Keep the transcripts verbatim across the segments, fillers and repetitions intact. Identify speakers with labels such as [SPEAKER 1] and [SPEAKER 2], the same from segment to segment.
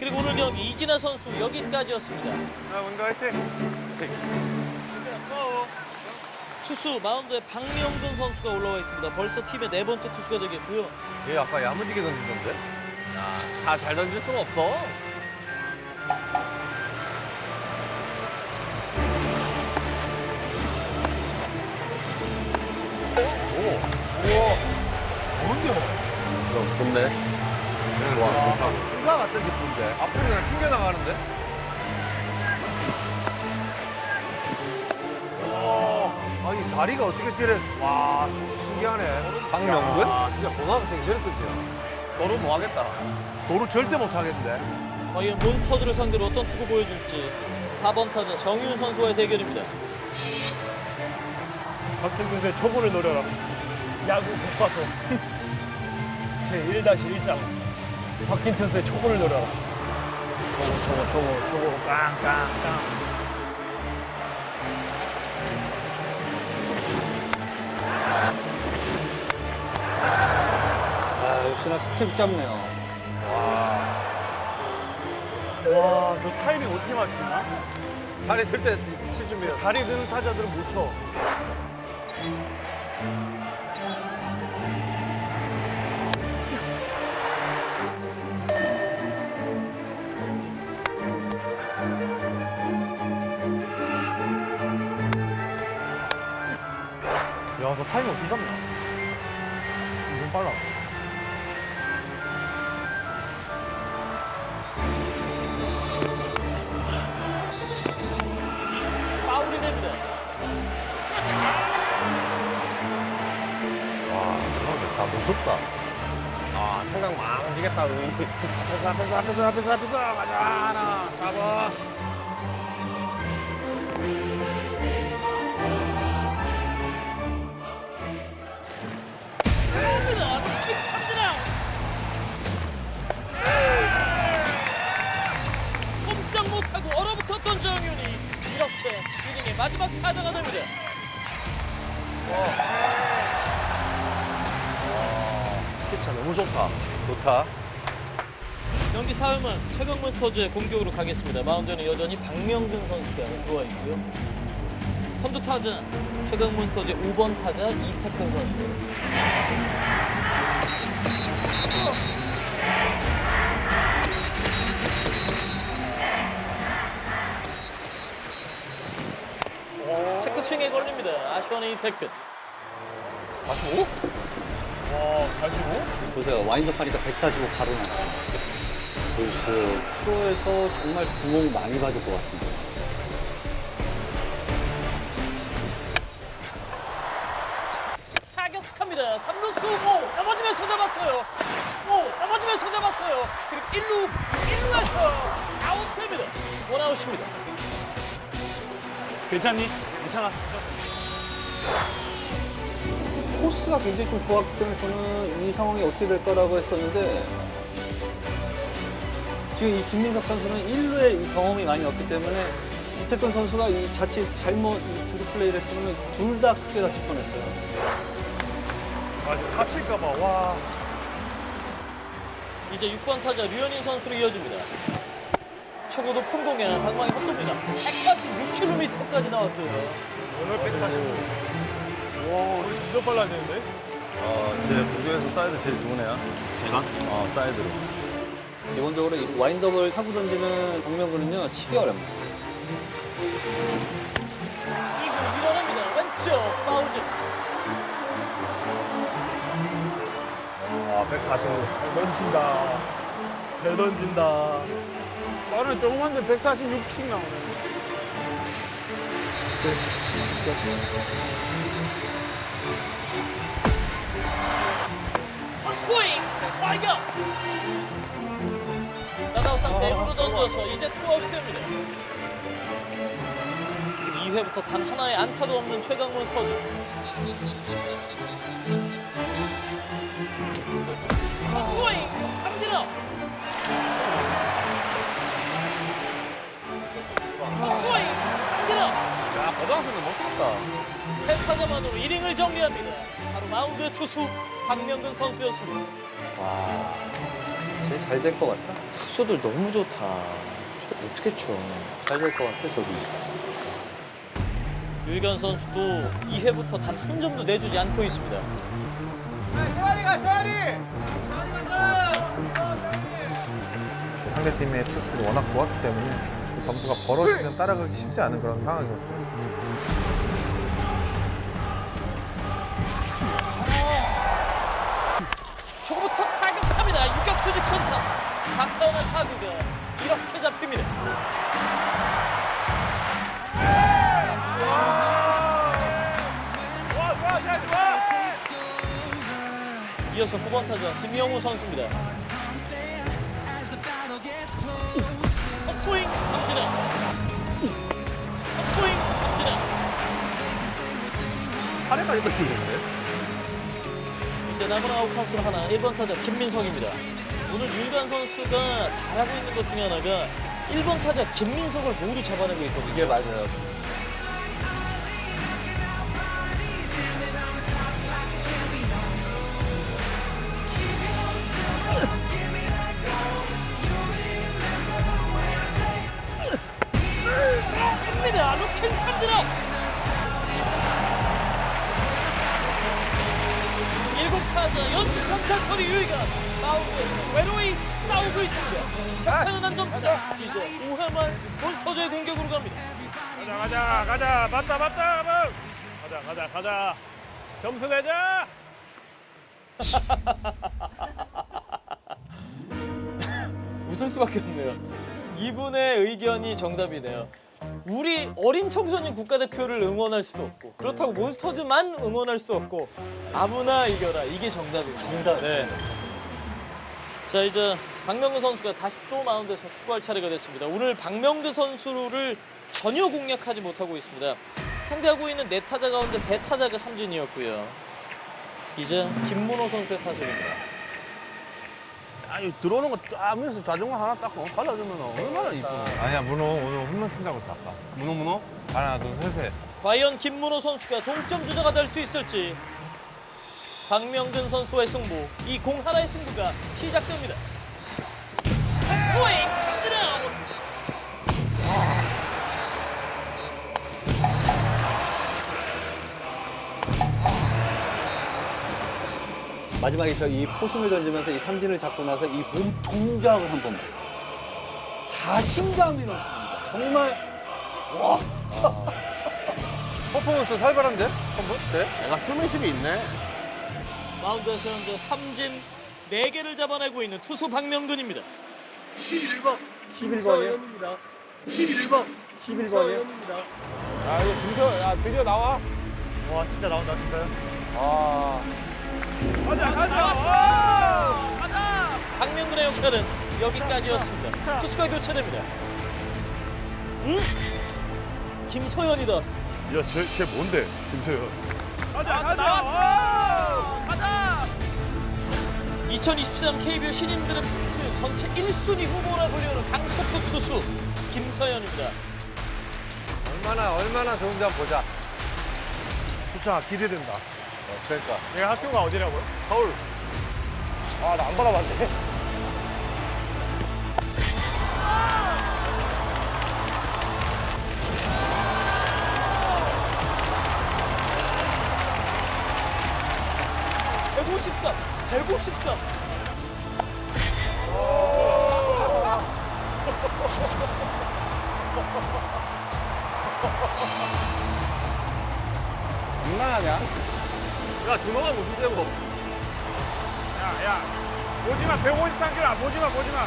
[SPEAKER 1] 그리고 오늘 경기 이진아 선수 여기까지였습니다.
[SPEAKER 2] 자, 원가 화이팅.
[SPEAKER 1] 투수 마운드에 박명근 선수가 올라와 있습니다. 벌써 팀의 네 번째 투수가 되겠고요.
[SPEAKER 2] 얘 아까 야무지게 던지던데?
[SPEAKER 3] 다 잘 던질 수는 없어.
[SPEAKER 2] 뭔데?
[SPEAKER 3] 그럼 좋네.
[SPEAKER 2] 와, 좋다. 순간 같던 제품인데. 앞으로 그냥 튕겨나가는데? 와, 아니, 다리가 어떻게 저래. 와, 신기하네. 박명근?
[SPEAKER 3] 아, 진짜 고등학생 제일 끝이야. 너로 뭐 하겠다.
[SPEAKER 2] 도루 절대 못하겠는데.
[SPEAKER 1] 과연 몬스터즈를 상대로 어떤 투구 보여줄지 사 번 타자 정윤 선수와의 대결입니다.
[SPEAKER 4] 박힌 투수의 초구를 노려라. 야구 교과서 제일 일 장. 박힌 투수의 초구를 노려라. 초구, 초구, 초구, 초구, 깡, 깡, 깡.
[SPEAKER 5] 아, 역시나 스텝 잡네요.
[SPEAKER 4] 와, 저 타이밍 어떻게 맞추나?
[SPEAKER 2] 다리 들때 치주면.
[SPEAKER 4] 다리 드는 타자들은 못 쳐.
[SPEAKER 2] 야, 저 타이밍 어떻게 잡냐? 이건 빨라.
[SPEAKER 1] 파울이 됩니다.
[SPEAKER 2] 와, 다 무섭다.
[SPEAKER 3] 아, 생각 많아지겠다, 의이.
[SPEAKER 4] 앞에서, 앞에서, 앞에서, 앞에서, 앞에서. 가자, 하나, 사 번.
[SPEAKER 1] 들어옵니다. 킥 삼진 아웃. 꼼짝 못하고 얼어붙었던 정윤이 이렇게 이닝의 마지막 타자가 됩니다.
[SPEAKER 2] 피차 너무 좋다. 좋다.
[SPEAKER 1] 경기 사 회만 최강 몬스터즈의 공격으로 가겠습니다. 마운드에는 여전히 박명근 선수가 들어와 있고요. 선두 타자 최강 몬스터즈의 오 번 타자 이태근 선수고요. 체크 스윙에 걸립니다. 아쉬워하는 이태근.
[SPEAKER 2] 사십오?
[SPEAKER 4] 와, 사십오?
[SPEAKER 5] 보세요. 와인드업 하니까 백사십오 바로 나와요. 글쎄, 프로에서 정말 주목 많이 받을 것 같은데.
[SPEAKER 1] 타격합니다. 삼 루수 오 넘어지면서 잡았어요. 오 넘어지면서 잡았어요. 그리고 일 루 일 루에서 아웃됩니다. 원아웃입니다.
[SPEAKER 4] 괜찮니? 괜찮아.
[SPEAKER 5] 코스가 굉장히 좀 좋았기 때문에 저는 이 상황이 어떻게 될 거라고 했었는데 지금 이 김민석 선수는 일 루에 이 경험이 많이 없기 때문에 이태근 선수가 이 자칫 잘못 이 주루 플레이를 했으면 둘 다 크게 다칠 뻔했어요.
[SPEAKER 2] 아, 지금 다칠까봐, 와.
[SPEAKER 1] 이제 육 번 타자 류현인 선수로 이어집니다. 초고 높은 공에 방망이 헛돕니다. 백사십육 킬로미터까지 나왔어요.
[SPEAKER 2] 오늘 백사십오. 와, 우리
[SPEAKER 4] 몇 발라야 되는데?
[SPEAKER 6] 어, 제 부교에서 사이드 제일 좋은 애야.
[SPEAKER 5] 제가?
[SPEAKER 6] 어, 사이드로.
[SPEAKER 5] 기본적으로 이 와인드업을 타고 던지는 박명근은요 치기 어렵니다.
[SPEAKER 1] 이 구 밀어냅니다. 왼쪽 파우즈.
[SPEAKER 2] 와, 백사십오.
[SPEAKER 4] 잘 던진다. 잘 던진다. 나는 조그만데 백사십육씩 나오네.
[SPEAKER 1] 스윙 스트라이크. 나다우 상태 일 루로 던져서 이제 투아웃이 됩니다. 지금 이 회부터 단 하나의 안타도 없는 최강 몬스터즈. 스윙 삼진 아웃. 스윙 삼진 아웃.
[SPEAKER 2] 야, 고등학생도 멋있다.
[SPEAKER 1] 세 타자만으로 이닝을 정리합니다. 바로 마운드의 투수 박명근 선수였습니다.
[SPEAKER 5] 제일 잘 될 것 같다.
[SPEAKER 1] 투수들 너무 좋다. 저 어떻게 쳐?
[SPEAKER 5] 잘 될 것 같아 저기.
[SPEAKER 1] 유희관 선수도 이 회부터 단 한 점도 내주지 않고 있습니다.
[SPEAKER 7] 상대팀의 투수들이 워낙 좋았기 때문에 그 점수가 벌어지면 따라가기 쉽지 않은 그런 상황이었어요.
[SPEAKER 1] 초구부터 타격합니다. 유격수 직선타. 박타원한 타구가 이렇게 잡힙니다. 이어서 구 번 타자 김영우 선수입니다. 헛스윙 삼진아. 헛스윙 삼진아.
[SPEAKER 2] 팔에까지 던지는데?
[SPEAKER 1] 이제 남은 아웃 카운트는 하나. 일 번 타자 김민석입니다. 오늘 유희관 선수가 잘하고 있는 것 중에 하나가 일 번 타자 김민석을 모두 잡아내고 있거든요.
[SPEAKER 5] 이게 맞아요.
[SPEAKER 1] 입니다. 루킹 삼진아웃. 일곱 타자 연속 평타 처리 유희관 마운드에서 외로이 싸우고 있습니다. 격차는 한 점 차. 이제 오 회만 몬스터즈의 공격으로 갑니다.
[SPEAKER 4] 가자 가자 가자 맞다 맞다 뭐. 가자 가자 가자 점수 내자.
[SPEAKER 1] 웃을 수밖에 없네요. 이분의 의견이 정답이네요. 우리 어린 청소년 국가대표를 응원할 수도 없고 그렇다고 몬스터즈만 응원할 수도 없고 아무나 이겨라. 이게 정답이에요.
[SPEAKER 5] 정답.
[SPEAKER 1] 네. 자 이제 박명근 선수가 다시 또 마운드에서 투구할 차례가 됐습니다. 오늘 박명근 선수를 전혀 공략하지 못하고 있습니다. 상대하고 있는 네 타자 가운데 세 타자가 삼진이었고요. 이제 김문호 선수의 타석입니다.
[SPEAKER 3] 아니 들어오는 거 쫙 밀어서 좌중간 하나 딱 갈라주면 얼마나 이쁘나.
[SPEAKER 2] 아니야, 문호 오늘 홈런 친다고 했어, 아까.
[SPEAKER 3] 문어 문어?
[SPEAKER 2] 하나, 둘, 셋에.
[SPEAKER 1] 과연 김문호 선수가 동점 주자가 될 수 있을지. 박명근 선수의 승부, 이 공 하나의 승부가 시작됩니다. 스윙 삼진 아웃.
[SPEAKER 5] 마지막에 저 이 포심을 던지면서 이 삼진을 잡고 나서 이 몸 동작을 한번 봤어요. 자신감이 넘칩니다. 정말
[SPEAKER 3] 퍼포먼스 살벌한데? 한번? 네? 내가 슈맨십이 있네.
[SPEAKER 1] 마운드에서 현재 삼진 네 개를 잡아내고 있는 투수 박명근입니다.
[SPEAKER 4] 십일 번 십일 번이요? 십일 번 십일 번이요?
[SPEAKER 3] 야 이거 드디어 야 드디어 나와.
[SPEAKER 2] 와, 진짜 나온다, 진짜요?
[SPEAKER 3] 아.
[SPEAKER 4] 가자 가자 가자.
[SPEAKER 1] 박명근의 역할은 여기까지였습니다. 투수가 교체됩니다. 음? 김서현이다.
[SPEAKER 2] 야, 쟤, 쟤 뭔데, 김서현?
[SPEAKER 4] 가자 가자 가자.
[SPEAKER 1] 이천이십삼 케이비오 신인 드래프트 전체 일 순위 후보라 불리는 강속구 투수 김서현입니다.
[SPEAKER 2] 얼마나, 얼마나 좋은지 한번 보자. 수창아, 기대된다. 어, 그러니까.
[SPEAKER 4] 내가 학교가 어디라고요? 서울. 아, 나 안 받아봤네.
[SPEAKER 1] 백오십삼, 백오십삼.
[SPEAKER 3] 장난하냐?
[SPEAKER 4] 야, 준호가 무슨 때고? 야, 야. 보지마, 백오십삼 킬로야. 보지마, 보지마.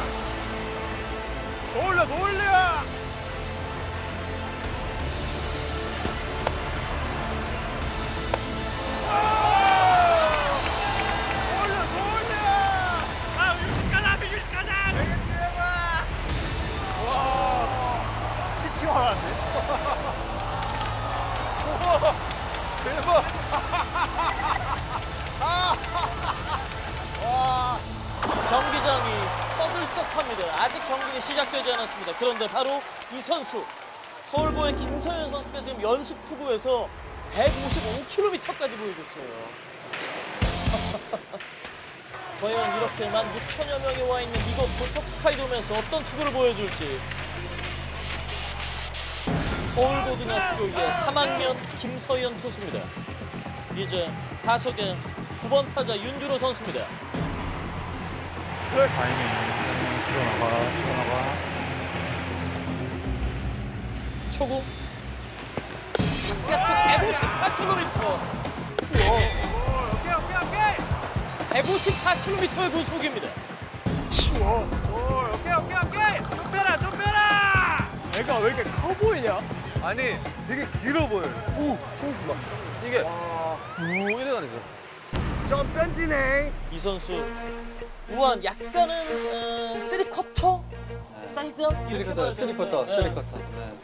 [SPEAKER 4] 더 올려, 더 올려!
[SPEAKER 1] 경기장이 떠들썩합니다. 아직 경기는 시작되지 않았습니다. 그런데 바로 이 선수, 서울보의 김서현 선수가 지금 연습 투구에서 백오십오 킬로미터까지 보이고 있어요. 과연 이렇게 만 육천여 명이 와 있는 이곳 도척 스카이돔에서 어떤 투구를 보여줄지. 서울고등학교의 삼 학년 김서연 투수입니다. 이제 타석에 구 번 타자 윤주로 선수입니다.
[SPEAKER 7] 타이밍 실어 나가 실어 나가.
[SPEAKER 1] 초구 바깥쪽 백오십사 킬로미터. 백오십사 킬로미터의 구속입니다.
[SPEAKER 4] 애가 왜 이렇게 커 보이냐?
[SPEAKER 2] 아니 되게 길어 보여.
[SPEAKER 3] 훅훅막 이게 쭉 이래가지고.
[SPEAKER 2] 좀 던지네.
[SPEAKER 1] 이 선수 우한 약간은 어, 쓰리 쿼터 사이드
[SPEAKER 5] 쓰리쿼터, 쓰리쿼터,
[SPEAKER 1] 네.
[SPEAKER 5] 쓰리쿼터.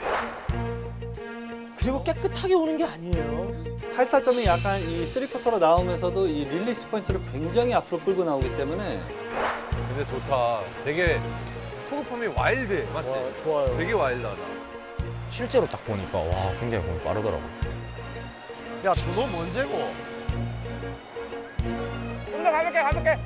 [SPEAKER 5] 네.
[SPEAKER 1] 그리고 깨끗하게 오는 게 아니에요.
[SPEAKER 5] 팔사점이 약간 이 쓰리쿼터로 나오면서도 이 릴리스 포인트를 굉장히 앞으로 끌고 나오기 때문에
[SPEAKER 2] 근데 좋다. 되게 투구폼이 와일드해. 맞지?
[SPEAKER 4] 와, 좋아요.
[SPEAKER 2] 되게 와일드하다.
[SPEAKER 8] 실제로 딱 보니까 와 굉장히 공이 빠르더라고.
[SPEAKER 2] 야 준호 뭔제고?
[SPEAKER 4] 좀더 가볍게 가볍게.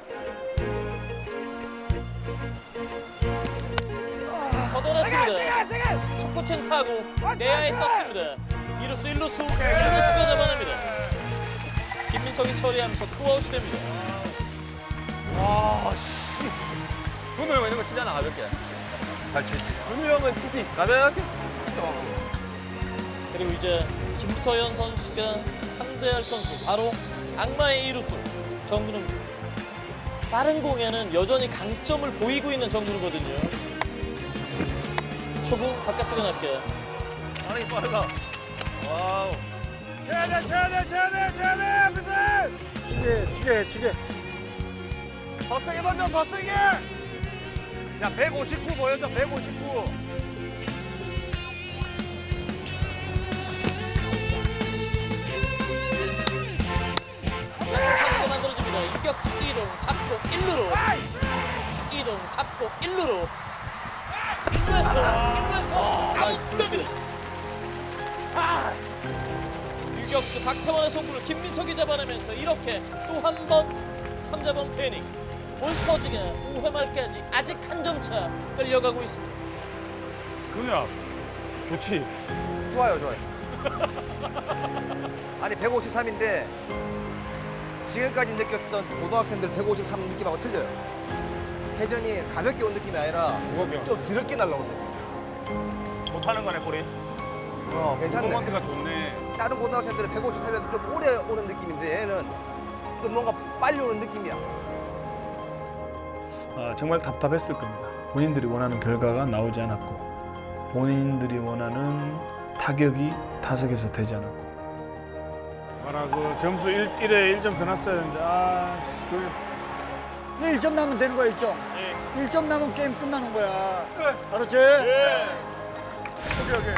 [SPEAKER 1] 걷어냈습니다. 속구chen 타고 내야에 떴습니다. 이루수 일루수 일루수가 잡아냅니다. 김민석이 처리하면서 투아웃이 됩니다.
[SPEAKER 2] 아씨.
[SPEAKER 3] 분우 형 이런 거 치잖아 가볍게.
[SPEAKER 2] 잘 치지.
[SPEAKER 3] 분우 형은 치지. 가볍게.
[SPEAKER 1] 그리고 이제 김서연 선수가 상대할 선수 바로 악마의 이루수 정근우입니다. 빠른 공에는 여전히 강점을 보이고 있는 정근우거든요. 초구 바깥쪽에 날게.
[SPEAKER 3] 아니 빠르다. 와우.
[SPEAKER 4] 쳐야 돼 쳐야 돼 쳐야 돼 쳐야 돼 앞에서.
[SPEAKER 2] 주게 주게 주게. 더 세게 던져 더 세게. 자 백오십구 보여줘 백오십구.
[SPEAKER 1] 타구가 만들어집니다. 유격수 이동 잡고 일 루로. 유격수 이동 잡고 일 루로. 일 루에서 일 루에서 아웃됩니다. 유격수 박태원의 송구를 김민석이 잡아내면서 이렇게 또 한 번 삼자범 테닝. 몬스터즈가 오 회 말까지 아직 한 점 차 끌려가고 있습니다.
[SPEAKER 4] 근우야 좋지.
[SPEAKER 2] 좋아요 좋아요. 아니 백오십삼인데 지금까지 느꼈던 고등학생들 백오십삼 느낌하고 틀려요. 회전이 가볍게 온 느낌이 아니라
[SPEAKER 4] 무겁게.
[SPEAKER 2] 좀 드럽게 날라온 느낌.
[SPEAKER 4] 좋다는 거네 볼이.
[SPEAKER 2] 어 괜찮네.
[SPEAKER 4] 퍼포먼스가 좋네.
[SPEAKER 2] 다른 고등학생들은 백오십삼에서 좀 오래 오는 느낌인데 얘는 좀 뭔가 빨리 오는 느낌이야.
[SPEAKER 9] 아, 정말 답답했을 겁니다. 본인들이 원하는 결과가 나오지 않았고 본인들이 원하는 타격이 타석에서 되지 않았고
[SPEAKER 4] 봐라 그 점수 일 회 일 점 더 났어야 되는데 아 그.
[SPEAKER 10] 일 점 나면 되는 거야, 일 점. 일 점 나면 게임 끝나는 거야. 알았지?
[SPEAKER 4] 오케이 오케이.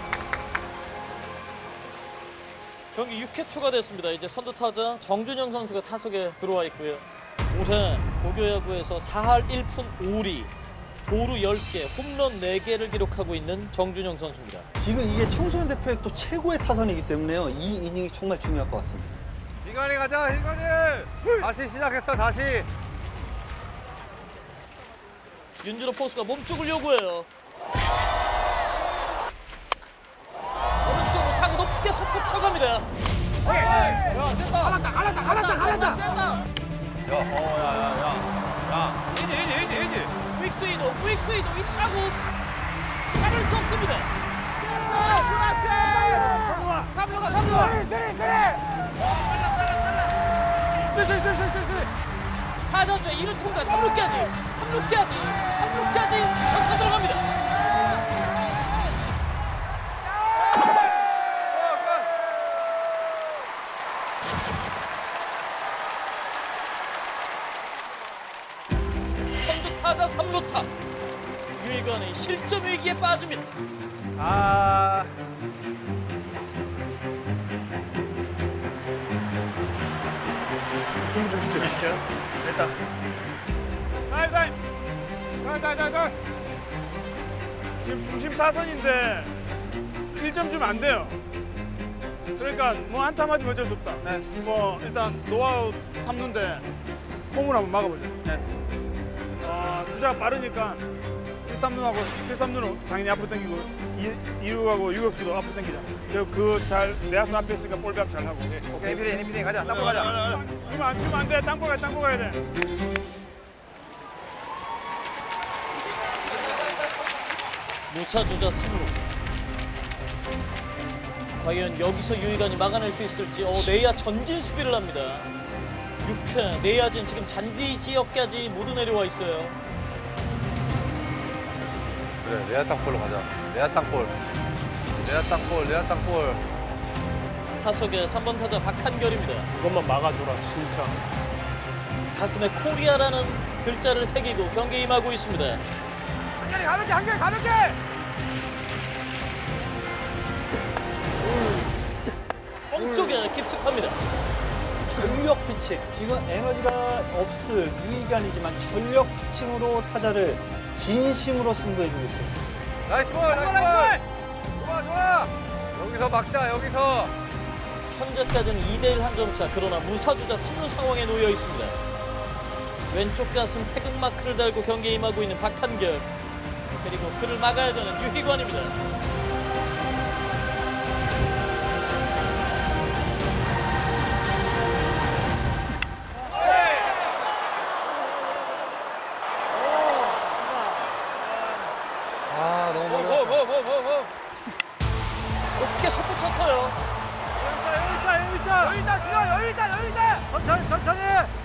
[SPEAKER 1] 경기 육 회 초가 됐습니다. 이제 선두 타자 정준영 선수가 타석에 들어와 있고요. 올해 고교야구에서 사 할 일 푼 오 리, 도루 열 개, 홈런 네 개를 기록하고 있는 정준영 선수입니다.
[SPEAKER 5] 지금 이게 청소년 대표의 또 최고의 타선이기 때문에요. 이 이닝이 정말 중요할 것 같습니다.
[SPEAKER 2] 이관이 가자 이관이. 다시 시작했어 다시.
[SPEAKER 1] 윤준호 포수가 몸쪽을 요구해요. 오른쪽으로 타고 높게 속구 쳐갑니다.
[SPEAKER 3] 야어야야야. 이지 이지 이지 이지.
[SPEAKER 1] 우익수 이동, 우익수 이동, 이 타구 잡을 수 없습니다.
[SPEAKER 4] 삼루가 삼루. 그래 그래.
[SPEAKER 1] 타자주의 이 루 통과 삼 루까지, 삼 루까지, 삼 루까지 쳐서 들어갑니다. 선두 타자 삼 루타. 유희관의 실점 위기에 빠집니다.
[SPEAKER 3] 아.
[SPEAKER 4] 준비 좀 시켜. 시켜. 됐다. 날 날. 날날날날. 지금 중심 타선인데 일 점 주면 안 돼요. 그러니까 뭐 안타 맞으면 어쩔 수 없다. 네. 뭐 일단 노아웃 삼 루인데
[SPEAKER 9] 홈으로 한번 막아보죠. 네. 어, 주자가 빠르니까 일, 삼 루하고 일, 삼 루는 당연히 앞으로 당기고 이 루하고 유격수도 앞으로 당기자. 그잘 내야수 앞에 있으니까 볼배합 잘 하고. 예.
[SPEAKER 2] 오케이, 비리, 비리 가자. 땅볼 가자.
[SPEAKER 9] 주면 안 주면 안 돼. 땅볼 가야 땅볼 가야 돼.
[SPEAKER 1] 무사 주자 삼 루. 과연 여기서 유희관이 막아낼 수 있을지. 어, 내야 전진 수비를 합니다. 육 회 내야진 지금 잔디 지역까지 모두 내려와 있어요.
[SPEAKER 6] 그래, 레아 땅볼로 가자. 레아 땅볼. 레아 땅볼, 레아 땅볼.
[SPEAKER 1] 타석에 삼 번 타자 박한결입니다.
[SPEAKER 4] 그것만 막아줘라 진짜.
[SPEAKER 1] 가슴에 코리아라는 글자를 새기고 경기에 임하고 있습니다.
[SPEAKER 2] 한결이 가볍게, 한결이 가볍게!
[SPEAKER 1] 뻥 쪽에 깊숙합니다.
[SPEAKER 5] 전력 피칭. 지금 에너지가 없을 유희관이지만 전력 피칭으로 타자를 진심으로 승부해주고 있습니다.
[SPEAKER 6] 나이스 볼, 나이스 볼! 좋아, 좋아! 여기서 막자, 여기서!
[SPEAKER 1] 현재까지는 이 대 일 한 점 차. 그러나 무사주자 삼 루 상황에 놓여 있습니다. 왼쪽 가슴 태극 마크를 달고 경기에 임하고 있는 박한결. 그리고 그를 막아야 되는 유희관입니다.
[SPEAKER 2] 아, 너무 멀리
[SPEAKER 6] 뭐, 뭐, 뭐, 뭐, 뭐.
[SPEAKER 1] 높게 솟구쳤어요.
[SPEAKER 10] 천천히 천천히.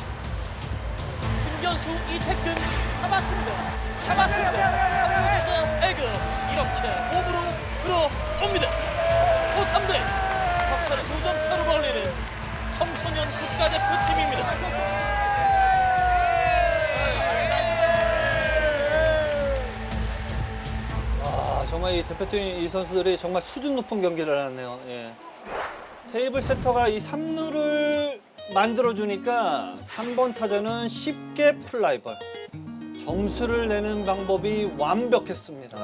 [SPEAKER 1] 김견수 이태근 잡았습니다. 잡았습니다. 삼 루 주자 태극 이렇게 홈으로 들어옵니다. 스코어 삼 대 격차를 두 점 차로 벌리는 청소년 국가대표팀입니다.
[SPEAKER 5] 아, 정말 이 대표팀 이 선수들이 정말 수준 높은 경기를 하네요. 예. 테이블 세터가 이 삼 루를 만들어주니까 삼 번 타자는 쉽게 플라이볼. 점수를 내는 방법이 완벽했습니다.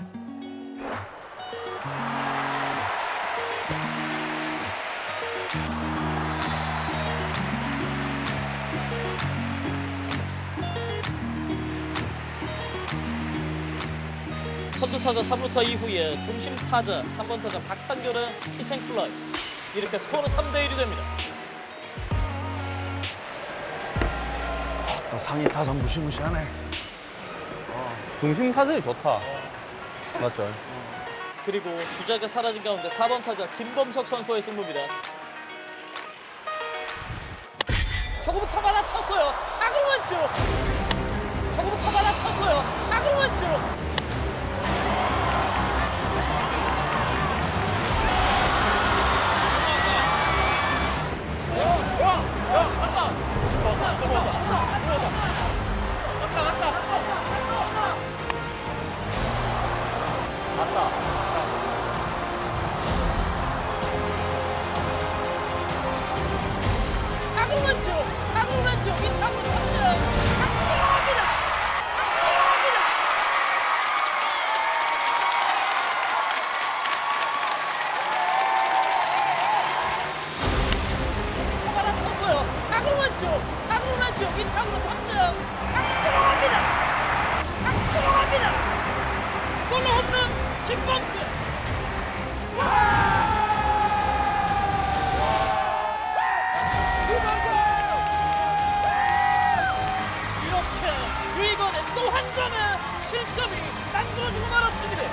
[SPEAKER 1] 선두 타자 삼 루타 이후에 중심 타자 삼 번 타자 박한결의 희생 플라이. 이렇게 스코어는 삼 대 일이 됩니다.
[SPEAKER 9] 또 상위 타선 무시무시하네.
[SPEAKER 3] 중심 타선이 좋다. 맞죠?
[SPEAKER 1] 그리고 주자가 사라진 가운데 사 번 타자 김범석 선수의 승부입니다. 초구부터 받아쳤어요. 타구로 왼쪽. 초구부터 받아쳤어요. 타구로 왼쪽. 타구로 왼쪽. 타구로 왼쪽. 이 타구로 탑니다. 들어갑니다. 들어갑니다. 받아쳤어요. 타구로 왼쪽. 타구로 왼쪽. 이 타구로 탑니다. 들어갑니다. 들어갑니다. 솔로 홈런 김범수. 이렇게 유희건의 또 한 점의 실점이 만들어지고 말았습니다.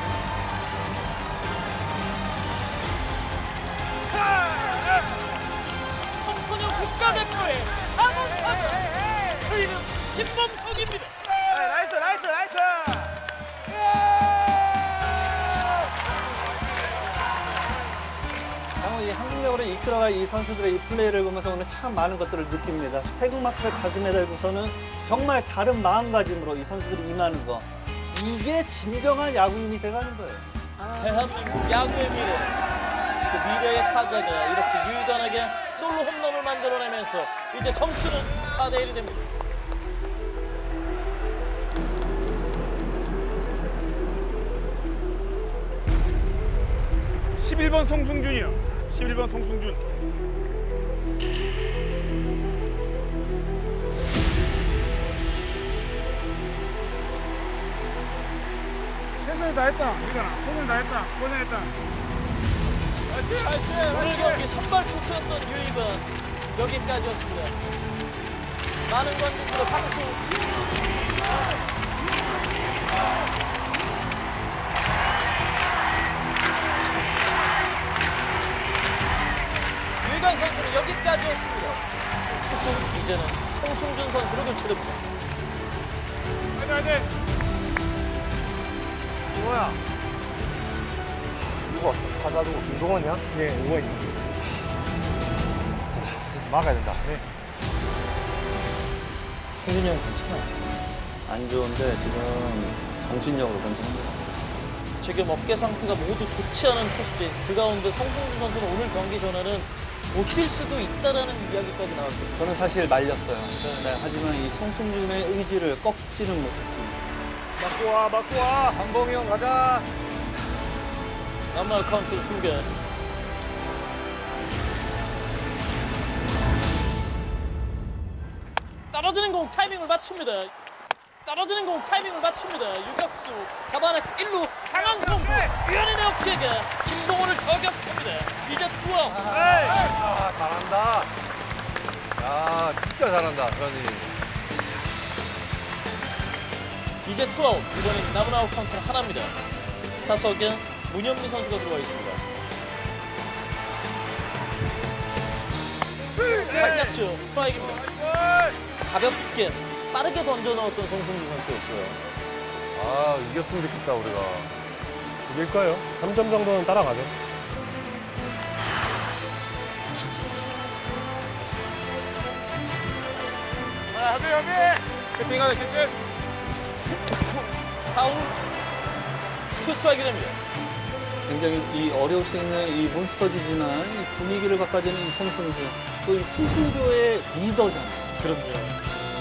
[SPEAKER 1] 청소년 국가대표의 사 번 타자 그 이름 김범석입니다.
[SPEAKER 2] 나이스, 나이스, 나이스!
[SPEAKER 5] 정말 이 한국력으로 이끌어갈 이 선수들의 이 플레이를 보면서 오늘 참 많은 것들을 느낍니다. 태극마크를 가슴에 달고서는 정말 다른 마음가짐으로 이 선수들이 임하는 거. 이게 진정한 야구인이 돼가는 거예요.
[SPEAKER 1] 대한민국 야구의 미래. 그 미래의 타자가 이렇게 유희관에게 솔로 홈런을 만들어내면서 이제 점수는 사 대 일이 됩니다.
[SPEAKER 9] 십일 번 송승준이요. 십일 번 송승준. 최선을 다했다. 우리가 최선을 다했다. 고생했다.
[SPEAKER 1] 오늘 경기 선발 투수였던 유이건 여기까지였습니다. 많은 관중들의 박수. 유이건 선수는 여기까지였습니다. 투수 이제는 송승준 선수로 교체됩니다.
[SPEAKER 9] 화이팅 화이팅.
[SPEAKER 2] 김호야. 누구 왔어? 타자 누구? 김동원이야?
[SPEAKER 4] 예, 이거 있네.
[SPEAKER 2] 그래서 막아야 된다.
[SPEAKER 5] 승준이 형 괜찮아요. 안 좋은데 지금 정신력으로 던지는 거예요.
[SPEAKER 1] 지금 어깨 상태가 모두 좋지 않은 투수진. 그 가운데 송승준 선수는 오늘 경기 전에는 못 뛸 수도 있다라는 이야기까지 나왔어요.
[SPEAKER 5] 저는 사실 말렸어요. 네, 하지만 이 송승준의 의지를 꺾지는 못했습니다.
[SPEAKER 4] 맞고 와, 맞고 와.
[SPEAKER 2] 한봉이 형 가자.
[SPEAKER 1] 남말 카운트 두 개. 떨어지는 공 타이밍을 맞춥니다. 떨어지는 공 타이밍을 맞춥니다. 유격수 잡아냈고 일 루 강한 송구 유현인의 어깨가 김동원을 저격합니다. 이제 투아웃.
[SPEAKER 6] 아, 잘한다. 야, 진짜 잘한다, 현이.
[SPEAKER 1] 이제 투아웃. 이번엔 남은 아웃 카운트는 하나입니다. 타석에 문현미 선수가 들어와 있습니다. 밝혔죠. 스트라이크입니다. 가볍게 빠르게 던져 넣었던 송승준 선수였어요.
[SPEAKER 6] 아, 이겼으면 좋겠다, 우리가.
[SPEAKER 4] 이길 거예요. 삼 점 정도는 따라가죠.
[SPEAKER 9] 아, 하비 하비. 캐팅 가자 캐팅.
[SPEAKER 1] 파울. 투 스트라이크 됩니다.
[SPEAKER 5] 굉장히 이 어려울 수 있는 이 몬스터지지만 이 분위기를 바꿔주는 이 송승준. 또 이 투수조의 리더잖아요.
[SPEAKER 1] 그럼요.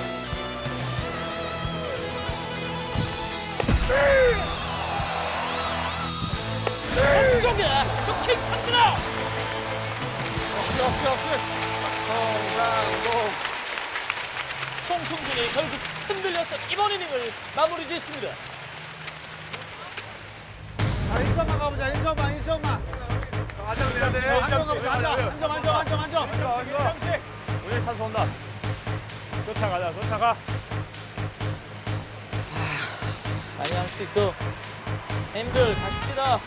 [SPEAKER 1] 왼쪽에 킥 삼진아.
[SPEAKER 9] 역시 역시 역시.
[SPEAKER 1] 성상공. 송승준이 결국 흔들렸던 이번 이닝을 마무리 짓습니다.
[SPEAKER 9] 아, 일 점만 가보자. 일 점만 일 점만.
[SPEAKER 2] 안정 내야 돼.
[SPEAKER 9] 안정 가보자. 안정 안정 안정 안정 안정.
[SPEAKER 4] 오늘 찬스 온다. 쫓아가자, 쫓아가.
[SPEAKER 1] 많이 할 수 있어. 힘들 가십시다.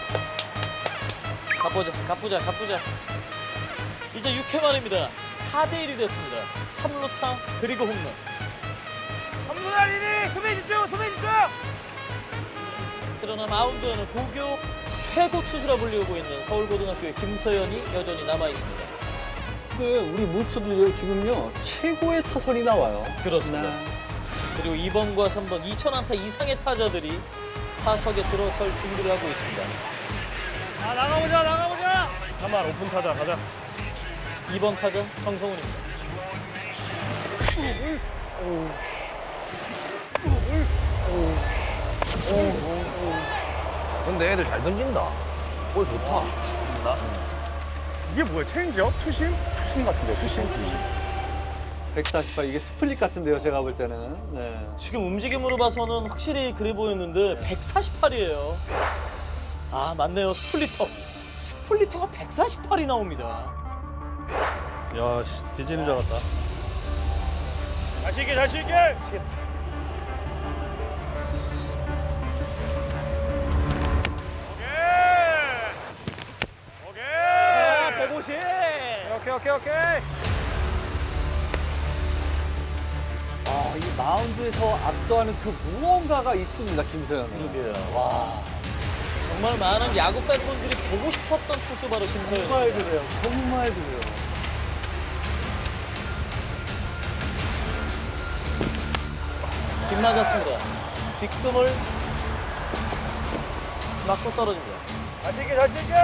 [SPEAKER 1] 가보자, 가보자, 가보자. 이제 육 회 말입니다. 사 대 일이 됐습니다. 삼 루타 그리고 홈런.
[SPEAKER 4] 삼루다 이니 수비 집중, 수비 집중.
[SPEAKER 1] 그러나 마운드에는 고교 최고 투수라 불리고 있는 서울고등학교의 김서연이 여전히 남아 있습니다.
[SPEAKER 5] 그 우리 몬스터도 지금요 최고의 타선이 나와요.
[SPEAKER 1] 그렇습니다.
[SPEAKER 5] 네.
[SPEAKER 1] 그리고 이 번과 삼 번 이천 안타 이상의 타자들이 타석에 들어설 준비를 하고 있습니다.
[SPEAKER 9] 아, 나가보자 나가보자.
[SPEAKER 4] 삼 할 오픈 타자 가자.
[SPEAKER 1] 이 번 타자 정성훈입니다.
[SPEAKER 3] 근데 애들 잘 던진다. 볼 좋다.
[SPEAKER 9] 이게 뭐야? 체인지업? 투심? 투심 같은데. 투심 투심.
[SPEAKER 5] 백사십팔 이게 스플릿 같은데요 제가 볼 때는. 네.
[SPEAKER 1] 지금 움직임으로 봐서는 확실히 그래 보였는데 백사십팔이에요. 아 맞네요. 스플리터. 스플리터가 백사십팔이 나옵니다.
[SPEAKER 7] 야, 씨, 뒤지는 줄 알았다.
[SPEAKER 4] 다시 있게, 다시 있게.
[SPEAKER 9] 오케이. 백오십.
[SPEAKER 4] 오케이, 오케이, 오케이.
[SPEAKER 5] 아, 이 마운드에서 압도하는 그 무언가가 있습니다 김서현은.
[SPEAKER 1] 그러게요. 와 정말 많은 야구 팬분들이 보고 싶었던 투수 바로 김서현.
[SPEAKER 5] 정말 그래요. 정말 그래요.
[SPEAKER 1] 빗 맞았습니다. 뒷금을 맞고 떨어집니다.
[SPEAKER 4] 다시 있게, 다시 있게.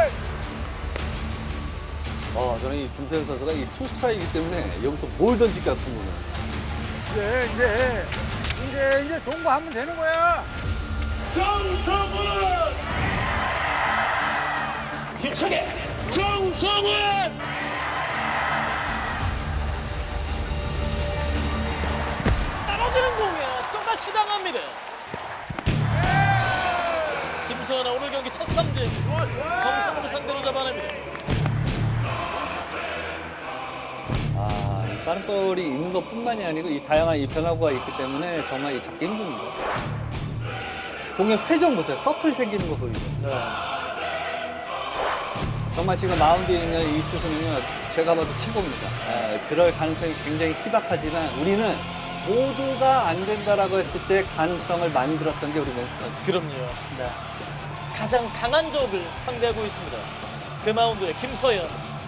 [SPEAKER 5] 어, 저는 이 김서현 선수가 이 투 스트라이크이기 때문에 여기서 뭘 던질까 궁금해요.
[SPEAKER 9] 이제 이제 이제 이제 좋은 거 하면 되는 거야.
[SPEAKER 4] 정성훈! 힘차게! 정성훈!
[SPEAKER 1] 떨어지는 공에 또다시 당합니다. 김서연의 오늘 경기 첫 삼진. 정성호를 상대로 잡아냅니다.
[SPEAKER 5] 아, 이 빠른 볼이 있는 것뿐만이 아니고 이 다양한 이 변화구가 있기 때문에 정말 이 잡기 힘듭니다. 공의 회전 보세요. 서클 생기는 거 보이죠? 정말 지금 마운드에 있는 이 투수는요, 제가 봐도 최고입니다. 아, 그럴 가능성이 굉장히 희박하지만 우리는 모두가 안 된다라고 했을 때 가능성을 만들었던 게 우리 몬스터즈.
[SPEAKER 1] 그럼요. 네. 가장 강한 적을 상대하고 있습니다. 그 마운드에 김서연.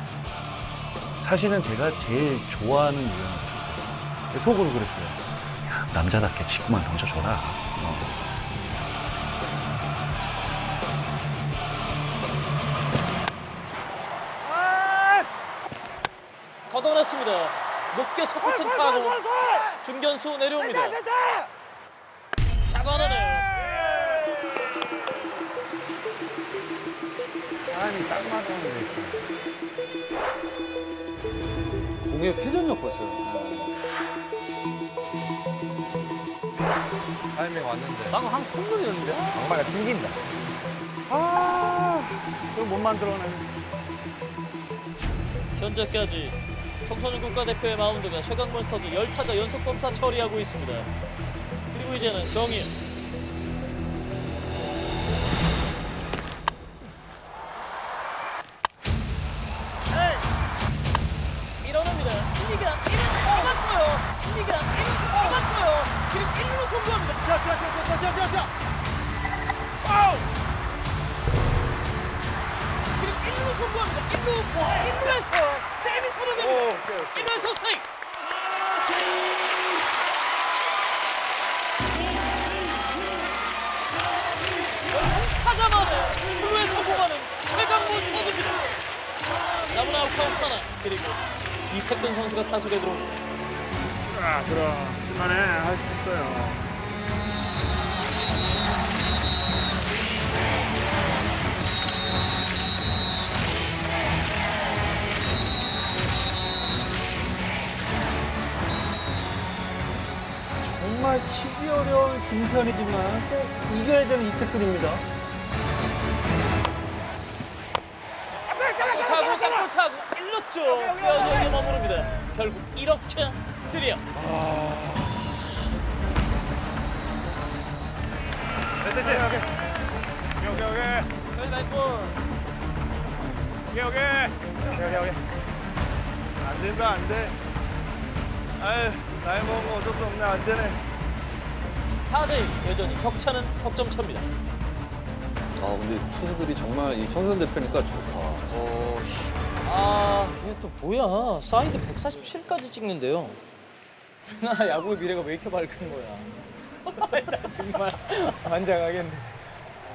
[SPEAKER 4] 사실은 제가 제일 좋아하는 유형 투수. 속으로 그랬어요. 야, 남자답게 직구만 던져줘라. 어.
[SPEAKER 1] 걷어냈습니다. 높게 솟구친 타고 중견수 내려옵니다. 잡아내네요.
[SPEAKER 3] 아니 딱 맞았는데.
[SPEAKER 5] 공의 회전력 보세요.
[SPEAKER 6] 타이밍 왔는데.
[SPEAKER 3] 방금 한 홈런이었는데.
[SPEAKER 2] 악마가 튕긴다.
[SPEAKER 4] 그걸 못 만들어내.
[SPEAKER 1] 현재까지 청소년 국가대표의 마운드가 최강몬스터즈 열 타자 연속 범타 처리하고 있습니다. 그리고 이제는 정인. 밀어냅니다. 이미가 일루수 잡았어요. 이미가 일루수 잡았어요. 그리고 일루로 송구합니다. 그리고 일루로 송구합니다. 일루, 일루에서 세미 선언됩니다. 일루에서 세이브. 한 타자 만에 출루에 성공하는 최강몬스터즈입니다. 남은 아웃 카운트 하나. 그리고 이태근 선수가 타석에 들어옵니다.
[SPEAKER 9] 아, 들어. 칠만해. 할 수 있어요.
[SPEAKER 5] 정말 치기 어려운 김선이지만 꼭 이겨야 되는 이태근입니다.
[SPEAKER 1] 땅볼 타고 땅볼 타고 일루 쪽 뼈저기에 머무릅니다. 결국 이렇게 쓰리아웃.
[SPEAKER 9] 됐어, 됐어. 오케이, 오케이, 오케이. 나이스 볼. 오케이, 오케이. 오케이, 오케이, 오케이. 안 된다, 안 돼. 아유, 나이 먹으면 어쩔 수 없네, 안 되네.
[SPEAKER 1] 사 대 일 여전히 격차는 석점 차입니다.
[SPEAKER 5] 아, 근데 투수들이 정말 이 청소년 대표니까 좋다.
[SPEAKER 1] 오, 씨. 아, 이게 또 뭐야. 사이드 백사십칠까지 찍는데요. 우리나라 야구의 미래가 왜 이렇게 밝은 거야. 나 정말 환장하겠네.